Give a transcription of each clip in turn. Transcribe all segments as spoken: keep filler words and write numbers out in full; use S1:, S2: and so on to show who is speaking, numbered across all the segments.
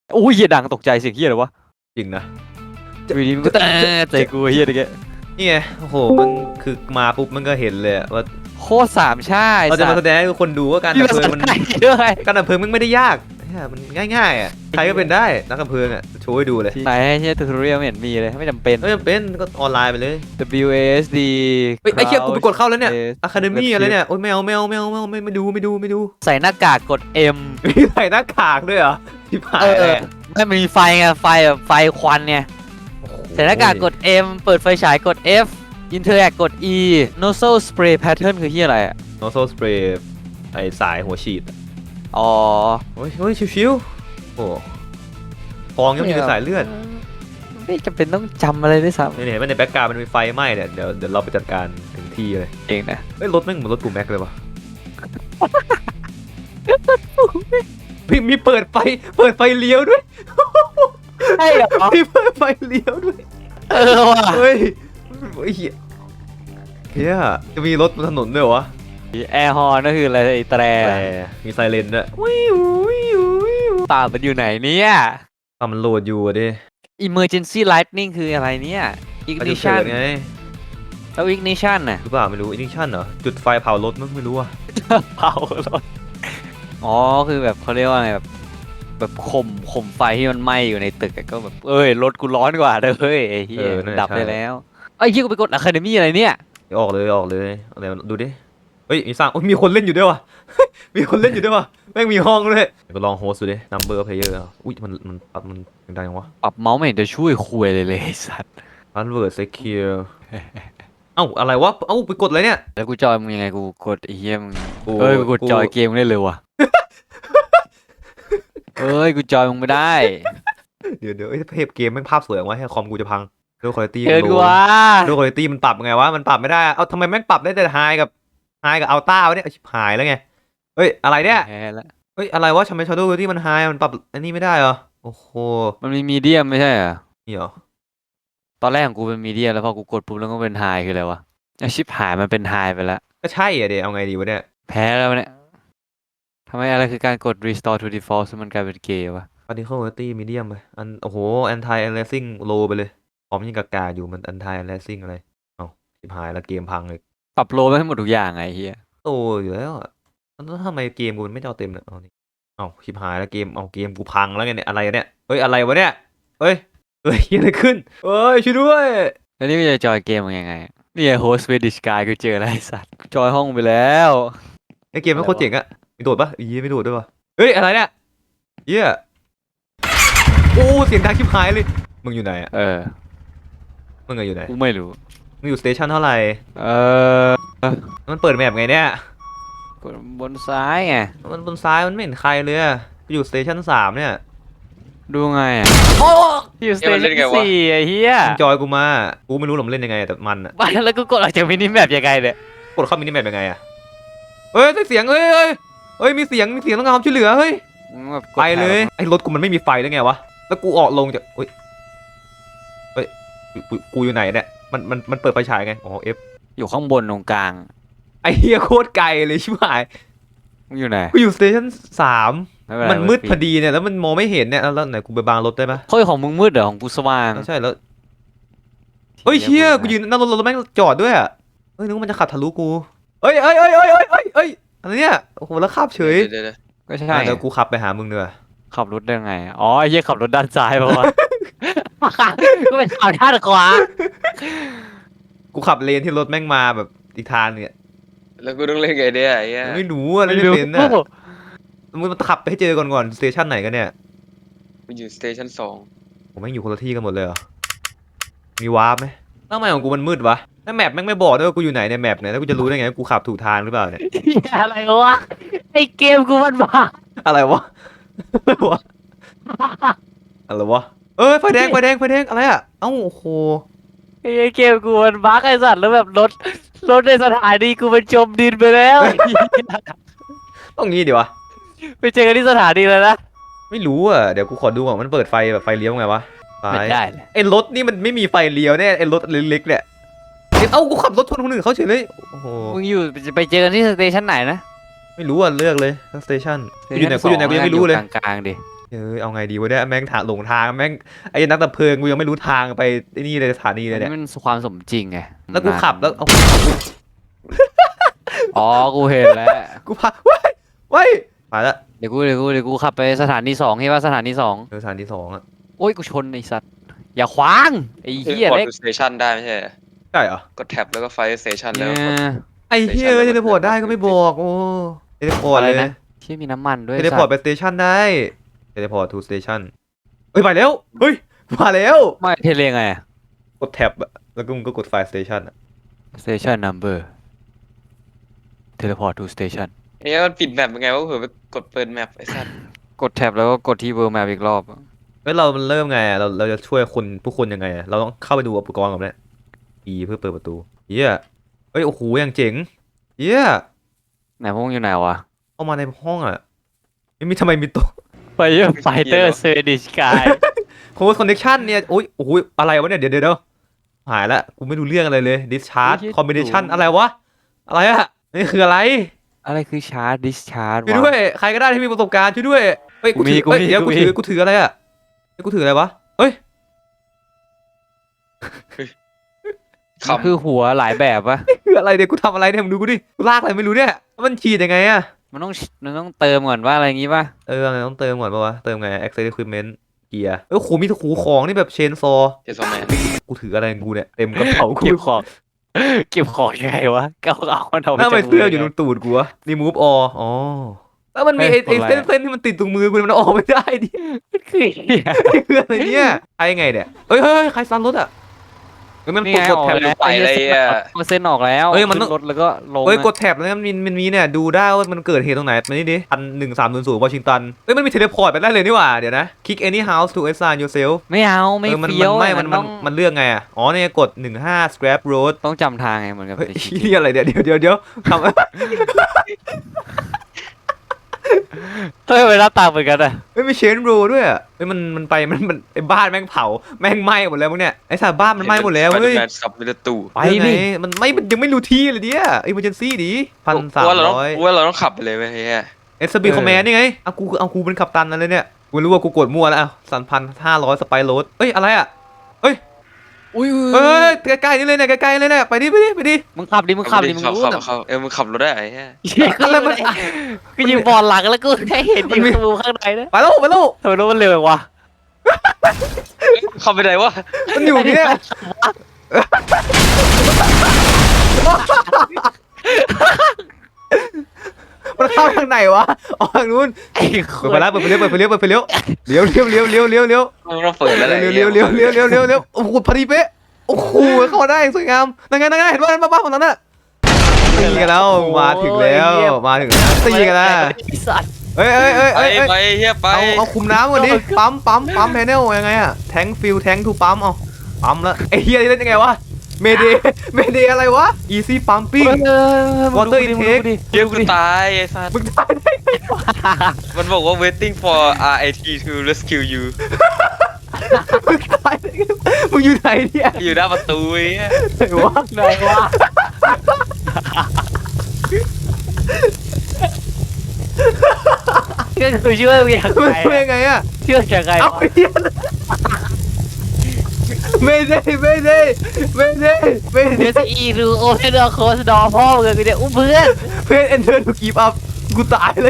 S1: อุ้ยเฮียดังตกใจเสียงเฮียเลยวะ
S2: จริงนะ
S1: อยู่ดีมันก็แต่ใจกูเฮียตะเกีย
S2: นี่ไงโอ้โหมันคือมาปุ๊บมันก็เห็นเลยว่า
S1: โคตรสามชาติ
S2: เราจะมาแสดงให้คนดูว่าการดับเพลิงมันการดับเพลิงมันไม่ได้ยากมันง่ายๆอ่ะใครก็เป็นได้นักดับเพลิงอ่ะโชว์ให้ดูเลย
S1: ไหนเฮียทูทอเรียลไม่เห็นมีเลยไม่จำเป็น
S2: ไม่จำเป็นก็ออนไลน์ไปเลย
S1: W A S D
S2: เฮ้ยไอ้เชี่ยกูไปกดเข้าแล้วเนี่ย Academy อะไรเนี่ยโอ้ยไม่เอาไม่เอาไม่เอาไม่เอาไม่ไม่ดูไม่ดูไม่ดู
S1: ใส่หน้ากากกด M
S2: มีใส่หน้ากากด้วยเหรอที่ผ่านเลย
S1: ไม่มีไฟไงไฟแบบไฟควันเนี่ยใส่หน้ากากกด M เปิดไฟฉายกด F Interact กด E Nozzle Spray Pattern คือที่อะไรอะ
S2: Nozzle Spray ไอสายหัวฉีด
S1: อ๋อ
S2: โอ้ยโอ้ยชิวๆโอ้ฟองยังมีสายเลือด
S1: ไม่จำเป็นต้องจำอะไรด้วยซ้ำ
S2: เนี่ยเนี่ยในแบ็กกราวด์มันมีไฟไหม้เนี่ยเดี๋ยวเดี๋ยวเราไปจัดการถึงที่เลย
S1: เองนะ
S2: เฮ้ยรถแม่งเหมือนรถปูแม็กเลยวะพี่มีเปิดไฟเปิดไฟเลี้ยวด้วย
S1: ใช่เหรอ
S2: มีเปิดไฟเลี้ยวด้วย
S1: เออว่ะ
S2: เฮ้ยเฮ้ยเฮียจะมีรถบนถนนด้วยวะ
S1: แอร์ฮอร์นก็คืออะไรแตร
S2: มีไซเรนด้วยวิววิววิว
S1: ป่ามันอยู่ไหนเนี่ย
S2: ป่ามันโหลดอยู่ดิ
S1: Emergency Lightning คืออะไรเนี่ย Ignition
S2: ไง
S1: แล้ว Ignition น่ะ
S2: หรือเปล่าไม่รู้ Ignition เหรอจุดไฟเผารถมั้งไม่รู้อะ
S1: เผารถอ๋อคือแบบเขาเรียกว่าไงแบบแบบข่มข่มไฟที่มันไหม้อยู่ในตึกก็แบบเอ้ยรถกูร้อนกว่าเด้อเฮ้ยไอ้เหี้ยดับได้แล้วไอ้เหี้ยกูไปกด Academy อะไรเนี่ย
S2: ออกเลยออกเลยอะไรดูดิเฮ้ยมีสร้างมีคนเล่นอยู่ด้วยวะมีคนเล่นอยู่ด้วยวะแม่งมีห้องด้วยก็ลองโฮสต์ดูดิ number player อุ้ยมันมันปรับมันดังยังวะ
S1: ปรับเมาส์ไม่เห็นจะช่วยคุยเลยเลยสัตว์
S2: convert secure เอ้าอะไรวะเอ้าไปกดอะไรเนี่ย
S1: แล้วกูจอยมึงยังไงกูกดไอ้เหี้ยมึงเฮ้ยกูกดจอยเกมได้เลยวะเฮ้ยกูจอยมึงไม่ได้
S2: เดี๋ยวเดี๋ยวไอ้เพจเกมแม่งภาพสวยวะให้คอมกูจะพังด้วยคุณภาพ
S1: เกินกว่า
S2: ด้วยคุณภาพมันปรับไงวะมันปรับไม่ได้เอ้าทำไมแม่งปรับได้แต่ไฮกับไฮกับอัลต้าวะเนี่ยชิบหายแล้วไงเฮ้ยอะไรเนี่ยเฮ้ยอะไรวะทำไมชาร์โดว์ที่มันไฮมันปรับอันนี้ไม่ได้เหรอโอ้โห
S1: มันมีมีเดียมไม่ใช่เหรอ
S2: นี่เหรอ
S1: ตอนแรกของกูเป็นมีเดียมแล้วพอกูกดปุ๊บแล้วก็เป็นไฮคืออะไรวะไอชิบหายมันเป็นไฮไปแล้ว
S2: ก็ใช่อะเดี๋ยวเอาไงดีวะเนี่ย
S1: แพ้แล้วเนี่ยทำไมอะไรคือการกด restore to default มันกลายเป็นเกย์วะ
S2: particle quality medium ไปอันโอ้โห anti aliasing low ไปเลยพร้อมยิงกากาอยู่มัน anti aliasing อะไรเอ้าชิบหายแล้วเกมพังเลย
S1: ปรับโลไปให้หมดทุกอย่างไงเฮีย
S2: โตอยู่แล้วอ่ะแล้วทำไมเกมกูมันไม่จอเต็มเนี่ยเอานี่เอ้าชิบหายแล้วเกมเอาเกมกูพังแล้วไงเนี่ยอะไรเนี่ยเฮ้ยอะไรวะเนี่ยเฮ้ยเฮ้ยอะไรขึ้นเฮ้ยช่วยด้วย
S1: แล้วนี่จะจอยเกมมันยังไงนี่ไงโฮสต์เวดิชกายกูเจออะไรสัตว์จอยห้องไปแล้ว
S2: ไอเกมไม่โคตรเจ๋งอะมีโดดปะยี่ไม่โดดด้วยปะเฮ้ยอะไรเนี่ยเยี่ยโอ้เสียงดังชิบหายเลยมึงอยู่ไหนอะ
S1: เออ
S2: มึงอยู่ไหน
S1: กูไม่รู้
S2: มึงอยู่สเตชันเท่าไหร่
S1: เออ
S2: มันเปิดแมปไงเนี่ย
S1: บนซ้ายไง
S2: มันบนซ้ายมันไม่เห็นใครเลยอะอยู่สเตชันสามเนี่ย
S1: ดูไงอ่ะโอ้อยู่สเตชันสี่ไอ้เหี้ย
S2: จอยกูมากูไม่รู้หรอกมันเล่นยังไงแต่มันอะ
S1: บ้านแล้วกูกดออกจากมินิแมปยังไงเนี่ย
S2: กดเข้ามินิแมปยังไงอะเฮ้ยเสียงเฮ้ยเฮ้ยเฮ้ยมีเสียงมีเสียงต้องการความช่วยเหลือเฮ้ยไปเลยไอ้รถกูมันไม่มีไฟได้ไงวะแล้วกูออกลงจากเฮ้ยเฮ้ยกูอยู่ไหนเนี่ยมันมันมันเปิดไฟฉายไงอ๋อเอฟ
S1: อยู่ข้างบนตรงกลาง
S2: ไอ้เฮียโคตรไกลเลยชิบหาย
S1: มึงอยู่ไหน
S2: กูอยู่สเตชันสามมันมืดพอดีเนี่ยแล้วมันมองไม่เห็นเนี่ยแล้วไหนกูไปบังรถได้ปะ
S1: เฮ้ยของมึงมืดเหรอของกูสว่าง
S2: ใช่แล้วเฮ้ยเชี่ยกูยืนนั่งรถรถแม่งจอดด้วยอ่ะเฮ้ยนึกว่ามันจะขับทะลุกูเฮ้ยเฮ้ยเฮ้ยเฮ้ยเฮ้ยเฮ้ยเฮ้ยอะไรเนี่ยโอ้โหแล้วขับเฉย
S1: ก็ใช่
S2: เดี๋ยวกูขับไปหามึงเนีกว่ย
S1: ขับรถได้ไงอ๋อไอ้เหี้ยขับรถด้านซ้ายป่าวะก็เป็นขับด้านขวา
S2: กูขับเลนที่รถแม่งมาแบบอีกทางเนี่ย
S3: แล้วกูต้องเล่นไงเนี่ยไอ้เงี้ย
S2: ไม่รู้อะไรไม่เป็นน่ะมึงมาขับไปให้เจอก่อนก่อนสเตชันไหนกันเนี่ย
S3: กูอยู่สเตชันสอง
S2: ผมแม่งอยู่คนละที่กันหมดเลยเหรอมีวาร์ปไหมทำไมของกูมันมืดวะถ้าแมปแม่งไม่บอกด้วยว่ากูอยู่ไหนในแมปเนี่ยแล้วกูจะรู้ได้ไงกูขับถูกทางหรือเปล่าเนี่ย
S1: อะไรวะไอเกมกูมันบ้า
S2: อะไรวะอะไรวะเอ้ยไฟแดงไฟแดงไฟแดงอะไรอ่ะเอ้าโอ้โห
S1: ไอเกมกูมันบ้าไอสัตว์แล้วแบบรถรถในสถานีกูมันจมดินไปแล้ว
S2: ต้องงี้ดิวะ
S1: ไปเจอกันที่สถานีเลยนะ
S2: ไม่รู้อ่ะเดี๋ยวกูขอดูก่อนมันเปิดไฟแบบไฟเลี้ยวไงวะ
S1: ไม่ได้
S2: ไอ้รถนี่มันไม่มีไฟเลี้ยวแน่ไอ้รถเล็กๆเนี่ยเอ้ากูขับรถชนคนอื่นเขาเฉยเลยโอ้โห
S1: มึงอยู่ไปเจอกันที่สเตชันไหนนะ
S2: ไม่รู้อ่ะเลือกเลยสเตชันกูอยู่ไหนกูอยู่ไหนกูยังไม่รู้เลย
S1: กลางๆดิ
S2: เอ้ยเอาไงดีวะเนี่ยแม่งถาหลงทางแม่งไอ้นักดับเพลิงกูยังไม่รู้ทางไปไอ้นี่เลยสถานีเล
S1: อั
S2: ย
S1: น
S2: เนี่ย
S1: นี้มันความสมจริงไง
S2: แล้วกูขับแล้วเอา
S1: อ๋อกูเห็นแล้ว
S2: กูพาเว้ยเว้ยไปละ
S1: เดี๋ยวกูเดี๋ยวกูเดี๋ยวกูขับไปสถานีสองใช่ป่ะสถานีสอง
S2: เออสถานีสองอ่ะ
S1: โอ้ยกูชนไอ้สัตว์อย่าขวางไอ้
S3: เท
S1: เหี้ย
S3: เลพอร์
S1: เล็ก
S3: ตสเตชันได้ไม่ใช่เหรอ
S2: ใช่เหรอก
S3: ดแท็บแล้วก็ไฟสเตชัน
S1: เอ
S3: แล้วกด
S1: อ
S2: ไอ้เฮียเทเลพอร์ตได้ก็ไม่บอกโอ้เทเลพอร์ต
S1: อะไร
S2: เลย
S1: นะที่มีน้ำมันด้วย
S2: เทเลพอร์ตไปสเตชันได้เทเลพอร์ตทูสเตชันเฮ้ยไปแล้วเฮ้ยมาแล้ว
S1: ไม่เทเลไง
S2: กดแท็บอะแล้วก็มึงก็กดไฟสเตชันอะ
S1: station number teleport to station
S3: ไอ้เหี้ยมันปิดแมปยังไงวะเผื่อไปกดเปิดแมปไอ้สัส
S1: กดแท็บแล้วก็กดที่ world map อีกรอบ
S2: เฮ้ยเรามันเริ่มไงอะเราเราจะช่วยคนผู้คนยังไงอะเราต้องเข้าไปดูอุปกรณ์ก่อนเนี่ย E เพื่อเปิดประตูเฮียเฮ้ยโอ้โหอย่างเจ๋งเฮีย
S1: ไหนพวกมึงอยู่ไหนวะ
S2: เข้ามาในห้องอะไม่มีทำไมมีโต๊ะ
S1: Fire Fighter Swedish Guy
S2: โค้ดคอนเนคชั่นเนี่ยโอ้ยโอ้โหอะไรวะเนี่ยเดี๋ยวเดี๋ยวเดี๋ยวหายละกูไม่รู้เรื่องอะไรเลย discharge combination อะไรวะอะไรอะนี่คืออะไร
S1: อะไรคือชาร์จ discharge
S2: ช่วยด้วยใครก็ได้ที่มีประสบการณ์ช่วยด้วยเฮ้ยกูถือ
S1: กูมี
S2: เฮ้ยเดี๋ยว
S1: กู
S2: กู
S1: มี
S2: ถือกูถืออะไรอะเฮ้ยกูถืออะไรวะเฮ้ย
S3: ข
S1: มันคือหัวหลายแบบวะ
S2: คืออะไรเนี่ยกูทำอะไรเนี่ยมึงดูกูดิกูลากอะไรไม่รู้เนี่ยมันฉีดยังไงอะ
S1: มันต้องมันต้องเติมก่อนว่าอะไรอย่างงี้ป่ะ
S2: เอออะไรต้องเติมก่อนปะวะเติมไง access equipment เกียร์เออโหมีหูของนี่แบบเชนซอ
S3: เจสซอแมน
S2: กูถืออะไรของกูเนี่ยเต็มกระเป๋ากู
S1: เก็บของเก็บของยังไงวะก็เอามันเอาไป
S2: ทำไม
S1: จาก
S2: เสื้ออยู่ต
S1: มื
S2: รงตูดกูวะ remove all อ๋อแล้วมันมีไอ้ไอ้เส้นเส้นที่มันติดตรงมือกูมันออกไม่ได้ดิ
S1: มันคือเหี้ย
S2: คืออะไรเนี่ยใครไงเนี่ยเฮ้ยเฮ้ยใครซันรถอ่ะเฮ้ยมัน
S1: นี่
S2: กด
S1: ไง
S2: ก
S1: อ
S2: ด
S1: อก
S2: แท็บ
S1: แล้ว
S3: ไปเลยอ่ะ
S1: เอาเส้นออกแล้ว
S2: เอ้ยมันต้อง
S1: ขึ้รถแล้วก็ลง
S2: เฮ้ย
S1: อะ
S2: กดแท็บแล้วมันมีมันมีเนี่ยดูได้ว่ามันเกิดเหตุตรงไหนมันนี่ดิพันหนึ่งสามศูนย์ศูนย์วอชิงตันเฮ้ยมันมีเทเลพอร์ตไปได้เลยนี่หว่าเดี๋ยวนะ click any house to assign yourself
S1: ไม่เอาไม่
S2: เออมัน
S1: เฟี้ยว
S2: มันไม่
S1: อะ
S2: มัน
S1: ต้
S2: มั
S1: อน ง
S2: มันเลือกไงอ่ะอ๋อเนี่ยกดหนึ่งห้า scrap road
S1: ต้องจำทางไงเหมือนกับ
S2: เฮ้ย
S1: ในชีวิต
S2: นี่อะไรเดี๋ยวเดี๋ยวเดี๋ยวเดี๋ยวทำ
S1: เฮ้ยเวลาตามเหมือนกันอะ
S2: เฮ้ยมีเชนโรด้วยอ่ะเฮ้ยมันมันไปมันมันไอ้บ้านแม่งเผาแม่งไหม้หมดแล้วมึงเนี่ยไอ้สารบ้านมันไหม้หมดแล้วเฮ้ย
S3: แมนขับไปในตู้
S1: ไป
S2: ยังไง
S1: ดิ
S2: มันไม่มันยังไม่รู้ที่เลยเนี่ยอิมเมอร์เจนซี่ดิพันสาม
S3: ว่าเราต้อง
S2: ร้อย
S3: ว่าเราต้องขับไปเลยไหมเฮีย
S2: เอสบีคอมแมนนี่ไงเอากูเอากูเป็นกัปตันนั่นเลยเนี่ยกูรู้ว่ากูกดมั่วแล้วอ่ะสามพันห้าร้อยสไปโรดเอ้ยอะไรอ่ะเอ้ย
S1: อุ้ย
S2: เอ้ยใกล้ๆนี่เลยเนี่ยใกล้ๆเลยเนี่ยไปดิไปดิไปดิ
S1: มึงขับดิมึงขับดิมึง
S3: ขับ
S1: รู้
S3: ขับ
S1: นะ
S3: ขับเออมึงขับรถได้ไอ้เฮีย
S2: อะไรมัน
S1: กูยิงบอลหลังแล้วกูแค่เห็นอยู่ประตูข้างในนะ
S2: ไปแล้วไปแล้ว
S1: ทำไมรถมันเร็วจังวะ
S3: ขับไปไหนวะ
S2: มันอยู่เนี่ยมันเข้าทางไหนวะออกทางนู้น
S1: ไอ้ค
S2: เปิดไปแล้วเปิดไปเลี้ยวเปิดไปเลี้ยวเปิดไปเลี้ยวเลี้ยวเลี้ยวเลี้ยวเลี้ยวเลี้ยวเลี้ยว
S3: มึงต้องเปิดแล้วแหละ
S2: เลี้ยวเลี้ยวเลี้ยวเลี้ยวเลี้ยวเลี้ยวเลี้ยวโอ้โหพอดีเป๊ะโอ้โหเข้ามาได้สวยงามนั่นไงนั่นไงเห็นว่าบ้านของนั้นน่ะตีกันแล้วมาถึงแล้วมาถึงแล้วตีกันแล้ว
S1: ไอ้สัตว์
S2: เอ้ยเอ้ยเอ้ย
S3: ไป
S2: เอ้ย
S3: ไปเฮียไป
S2: เอาเอาคุมน้ำก่อนดิปั๊มปั๊มปั๊มแพนเนลยังไงอะแทงฟิลแทงทูปั๊มเอาปั๊มแล้วไอ้เฮียนี่เล่นยังไงวะเมเดเมเดอะไรวะ easy pumping water intake
S3: เฮียกูตายไอ้สัส
S2: มึงตายได้ไงวะ
S3: มันบอกว่า waiting for อาร์ ไอ ที to rescue you
S2: มึงตายได้ไงมึงอยู่ไหนเนี่ย
S3: อยู่หน้าประตูไอ้เฮีย
S2: ไหนวะ
S1: ไหนวะก็คือช่วยมึงอย่าง
S2: มัน
S1: ไร
S2: ช่วยยังไงอะ
S1: เชื่อยังไง
S2: เอาไอ้เหี้ยไม่ได้ไม่ได้ไม่ได้ไม่
S1: เดี๋ยว
S2: ได้
S1: จะอีรูโอเพนเดอร์โคสดอพ่อมึงกูจะอุ้มเพื่อน
S2: เพื่อนเอนเตอร์ถูกกีบอัพกูตายเลย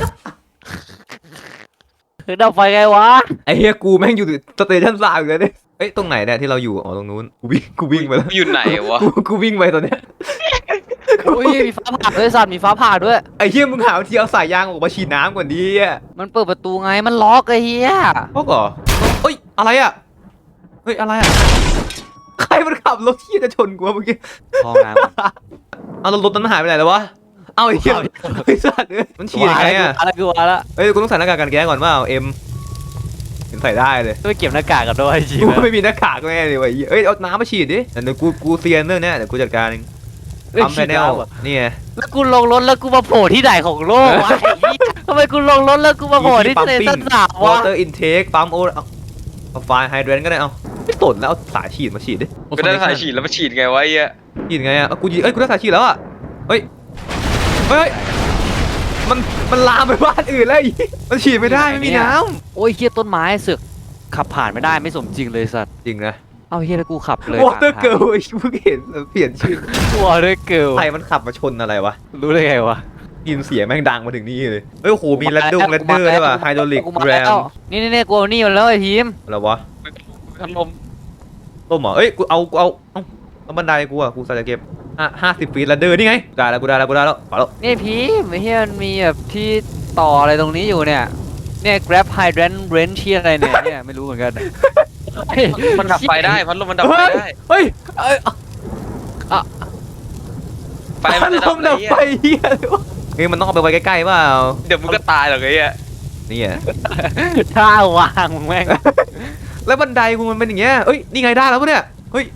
S1: คือดับไฟไงวะ
S2: ไอ้เฮียกูแม่งอยู่สเตชันสามอยู่เลยเนี่ยเอ้ยตรงไหนเนี่ยที่เราอยู่อ๋อตรงนู้นกูวิ่งกูวิ่งไปแล้ว
S3: อยู่ไหนวะ
S2: กูกูวิ่งไปตอนเนี้ย
S1: อุ้ยมีฟ้าผ่าด้วยสัตว์มีฟ้าผ่าด้วย
S2: ไอ้เฮียมึงหาวิธีเอาสายยางออกมาฉีดน้ำก่อนดิอ่ะ
S1: มันเปิดประตูไงมันล็อกไอ้เหี้ย
S2: พวกเหรอเอ้ยอะไรอ่ะเฮ้ยอะไรอ่ะใครมันขับรถที่จะชนกูวะเมื่อกี้
S1: ห้องน้
S2: เอาแล้วรถนั้นมันหายไปไหนแล้ววะเอาไอ้เหี้ยไอ้สัตว์เอ้ยมัน
S1: ำ
S2: ฉีดยังไงอ่ะ
S1: อะไรกูวะละ
S2: เฮ้ยกูต้องใส่หน้ากากกันแก๊สก่อนว่าเอาเอ็มเห็นใส่ได้เลย
S1: ต้องไปเก็บหน้ากากกันด้วยจริง
S2: กู
S1: นะ
S2: ไม่มีหน้ากากแน่เลยว่ะไอ้เหี้ยเอ้ยเอาน้ำมาฉีดดิเดี๋ยวกูกูเซียนเรื่องเนี้ยเดี๋ยวกูจัดการเองปั๊มแพนเนลนี่ไง
S1: แล้วกูลงรถแล้วกูมาโผล่ที่ไหนของโลกวะไอ้เหี้ยทำไมกูลงรถแล้วกูมาโผล่ที่ทะเลสั้นสาบ
S2: วอ
S1: วะ
S2: เตอร์อินเทคปั๊มโอเอาเอาไฟไฮเดรนก็ได้เอาไม่ตดแล้วเอาสายฉีดมาฉีดดิ
S3: กูได้สายฉีดแล้วมาฉีดไงวะไอ้เฮีย
S2: ฉีดไงอ่ะเอากูยิงเอ้ยกูได้สายฉีดแล้วอ่ะเฮ้ยเฮ้ยเฮ้ยมันมันลามไปบ้านอื่นแล้วไอ้มันฉีดไม่ได้ไม่มีน้
S1: โอ้ยเฮียต้นไม้เสือกขับผ่านไม่ได้ไม่สมจริงเลยสัตว์
S2: ำจริงนะ
S1: เอาเฮียแล้วกูขับเลยว
S2: อเตอร์เกิร์ลไอ้เพิ่งเห็นเปลี่ยนชื่อ
S1: วอเตอร์เกิล
S2: ใครมันขับมาชนอะไรวะ
S1: รู้ได้ไงวะ
S2: ยินเสียงแม่งดังมาถึงนี่เลยเฮ้ยโอ้โหมีแรดดงแรดเดอร์ด้วยว่ะไฮดรอลิก
S1: กูมา
S2: แร
S1: แล้
S2: ม
S1: วนี่นี่นี่กูเอานี่มาแล้วไอ้ทีม
S2: อะไรวะ
S3: พัดลม
S2: ต้มเหรอเอ้ยกูเอากูเอาเอ้าแล้วบันไดกูอ่ะกูใส่จะเก็บห้าห้าสิบฟีตแรดเดอร์นี่ไงได้แล้วกูได้แล้วกูได้แล้วพอแล้ว
S1: นี่พีมไอ้เฮียมันมีแบบที่ต่ออะไรตรงนี้อยู่เนี่ยเนี่ย grab hydrant wrench ที่อะไรเนี่ยเนี่ยไม่รู้เหมือนกัน
S3: มันดับไฟได้พัดลมมันดับไฟ
S2: เฮ้ย
S3: ได้
S2: เฮ้ยเอ้ย
S3: ไฟมันจะ
S2: ลมดั
S3: ดั
S2: บบ ไฟ
S3: ไฟ
S2: เฮียเลยวะเฮ้ยมันต้องเอาไปไว้ใกล้ๆเปล่า
S3: เดี๋ยวมึงก็ตายหรอกไอ้เหี้ย
S2: นี่อ่ะ
S1: ท่าวางมึงแม่ง
S2: แล้วบันไดกูมันเป็นอย่างเงี้ยเอ้ยนี่ไงได้แล้วปะเนี่ยเฮ้ย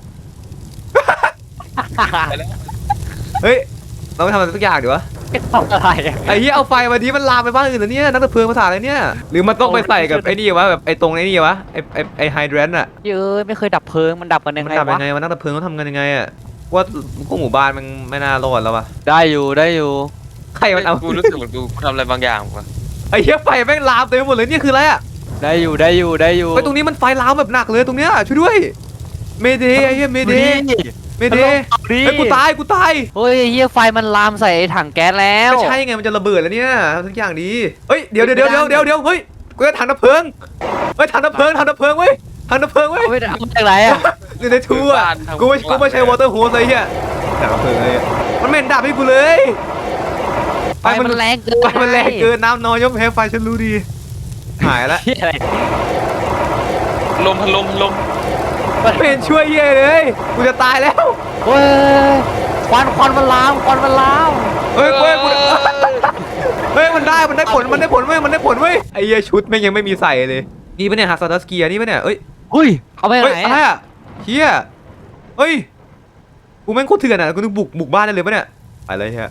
S2: เฮ้ยเราไปทำอะไรสักอย่างดีวะ
S1: ทำอะไรอะ
S2: ไอ้เหี้ยเอาไฟมาดีมันลามไปบ้านอื่นแล้วเนี่ยนักดับเพลิงภาษาอะไรเนี่ยหรือมันต้องไปใส่กับไอ้นี่วะแบบไอ้ตรงไอ้นี่วะไอ้ไอ้ไอ้ไฮแดรนต์อะ
S1: เย้ยไม่เคยดับเพลิงมันดับกันยัง
S2: มัน
S1: ไง
S2: ดับ
S1: วะ
S2: ยังไงวะนักดับเพลิงเขาทำกันยังไงอะว่าพวกหมู่บ้านมันไม่น่ารอดแล้ววะ
S1: ได้อยู่ได้อยู่
S2: ใครมันเอา
S3: กูรู้สึกเหมือนกูทำอะไรบางอย่างว่ะ
S2: ไอ้เหี้ยไฟแม่งลามเต็มไปหมดเลยเนี่ยคืออะไรอะ
S1: ได้อยู่ได้อยู่ได้อยู่
S2: ไอ้ตรงนี้มันไฟลามแบบหนักเลยตรงเนี้ยช่วยด้วยเมเดย์ไอ้เหี้ยเมเดย์เมเดย์
S1: ดิ
S2: ไอ้ยกูตายกูตาย
S1: เฮ้ยเฮียไฟมันลามใส่ไอ้ถังแก๊สแล้ว
S2: ก็ใช่ไงมันจะระเบิดแล้วเนี่ยทำทุกอย่างดีเฮ้ยเดี๋ยวเดี๋ยวเดี๋ยวเดี๋ยวเดี๋ยวเดี๋ยวเฮ้ยกูจะถังดับเพลิงเฮ้ยถังดับเพลิงถังดับเพลิงเว้ยถังดับเพลิงเว้ย
S1: เอาไปเอามาจากไหนอะ
S2: อยู่ในทูอ่ะกูไม่กูไม่ใช่วอเตอร์โฮสเลยเฮียถังดับเพลิงเลยมันไม่เห็นดับให้กูเลย
S1: ไฟมันแรงเกิน
S2: ไฟมันแรงเกินน้ำน้อยย่อมแพ้ไฟฉันรู้ดีหายละ
S1: เหี้ยอะไร
S3: ลมพัดลมพัดลม
S2: ไม่เห็นช่วยเย่เลยกูจะตายแล้ว
S1: เฮ้ยควันควันมันลามควันมันลาม
S2: เฮ้ยเฮ้ยกูเฮ้ยมันได้มันได้ผลมันได้ผลเว้ยมันได้ผลเว้ยไอ้เหี้ยชุดแม่งยังไม่มีใส่เลยนี่ปะเนี่ยฮัสซัสเกียร์นี่ปะเนี่ยเอ้ย
S1: เฮ้ยเอาไป
S2: เฮ้ย
S1: ไหน
S2: อะไร
S1: อะ
S2: อ่ะเฮียเฮ้ยกูแม่งโคตรเถื่อนอ่ะกูนึกบุกบุกบ้านได้เลยปะเนี่ยไปเลยเฮีย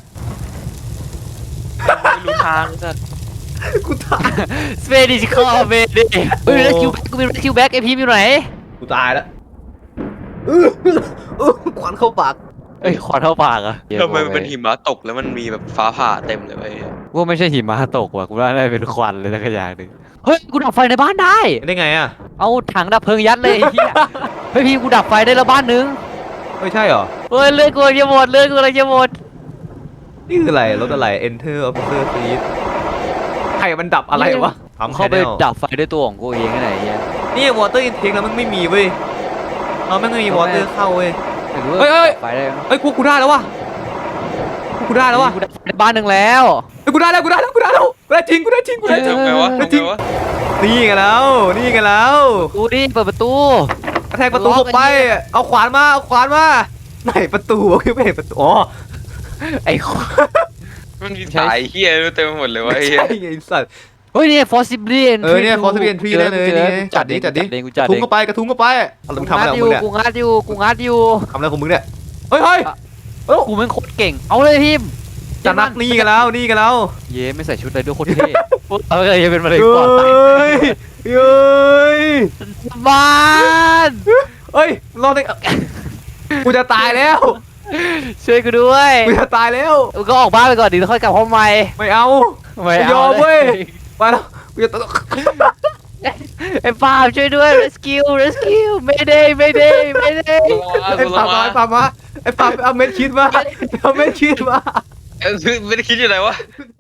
S3: ไม่รู้ทางสัตว์
S2: กูตาย
S1: สเปดิชคอร์เบดิเฮ้ย
S2: โอ้
S1: เรสคิวแบ็กกูมีเรสคิวแบ็กไอพีมอยู่ไหน
S2: กูตายแล้วอื้ออื้อควันเข้าปาก
S1: เอ้ยขอเท่าปากอะ
S3: ทำไมมันเป็นหิมะตกแล้วมันมีแบบฟ้าผ่าเต็มเลยเว้ย
S1: ว่าไม่ใช่หิมะตกว่ะกูว่าน่าจะเป็นควันเลยสักอย่างหนึ่งเฮ้ยกูดับไฟในบ้านได้
S2: ได้ไงอ่ะ
S1: เอาถังดับเพลิงยัดเลยไอ้เหี้ยเฮ้ยพี่กูดับไฟได้แล้วบ้านนึง
S2: ไม่ใช่เหรอ
S1: เฮ้ยเลือดกูจะหมดเลือดกูจะหมด
S2: นี่คืออะไรรถอะไร Enter Officer Seat ใครมันดับอะไรวะทำ
S1: เข้าไป
S2: channel
S1: ดับไฟด้วยตัวของกูเองไงไอ้เหี้ย
S2: นี่ Water Intake แล้วมันไม่มีเว้ยเราไม่มี Water เข้าเว้ย
S1: ไม่รู้ว่า
S2: เฮ้ยเฮ้ย
S1: ดับไฟได้ไหม
S2: เฮ้ยกูกูได้แล้ววะกูกูได้แล้ววะ
S1: กูดับไฟในบ้านหนึ่งแล้ว
S2: เฮ้ยกูได้แล้วกูได้แล้วกูได้แล้วกูได้จริงกูได้จริงกูได้จริง
S3: ทำไงวะ
S2: เฮ้ย
S3: ทำ
S2: จริ
S3: ไง
S2: ง
S3: วะ
S2: นี่ไงแล้วนี่ไงแล้ว
S1: กูดิเปิดประตู
S2: กระแทกประตูเข้าไป เอาขวานมา เอาขวานมา ไหนประตูวะคือไม่เห็นประตู อ๋อ
S1: ไอ้คน
S3: มันมีสายเฮียเต็มไปหมดเลยวะ
S2: ไม่
S3: ไอ้เหี้ย
S2: ใช่ไงไอ้สัตว์
S1: เฮ้ยเนี่ย possibly entry
S2: เออเนี่ย possibly entry ได้เลย
S1: จอ
S2: นี่ไง
S1: กู
S2: จัดดิจัดดิ
S1: เองกู
S2: ก
S1: จัด
S2: ระทุ้
S1: เอง ง
S2: เข้าไปกระทุ้งเข้าไปเอาแล้วมึงทำอะไรของมึงเนี่ย
S1: กูงัดอยู่กูงัดอยู่
S2: ทำอะไรของมึงเนี่ยเฮ้ยเฮ้ยเอ้า
S1: กูแม่งโคตรเก่งเอาเลยพิม
S2: จะนักนี่กันแล้วนี่กันแล้ว
S1: เย้ไม่ใส่ชุดเลยด้วยโคตรเท่เออยังเป็นมะเร็ง
S2: เฮ้
S1: ปอดตาย
S2: ยเฮ้ย
S1: บ้าน
S2: เฮ้ยรอดได้กูจะตายแล้ว
S1: ช่วยกูด้วย
S2: กูจะตายแล้ว
S1: มึงก็ออกบ้านไปก่อนดิแล้วค่อยกลับห้องใหม่
S2: ไม่เอา
S1: ไม่
S2: ไม่ย
S1: เอา
S2: อม
S1: เล
S2: เว้ย ไปแล้วกูจะตก
S1: ไอ้ปาล์มช่วยด้วย rescue rescue mayday mayday mayday
S2: ไอ้ปามาไอ้ปามาไอ้ปาไปเอาเม็ดชีสมาเอาเม็ดชีสมา
S3: เออไม่ได้คิดอยู่ไหนวะ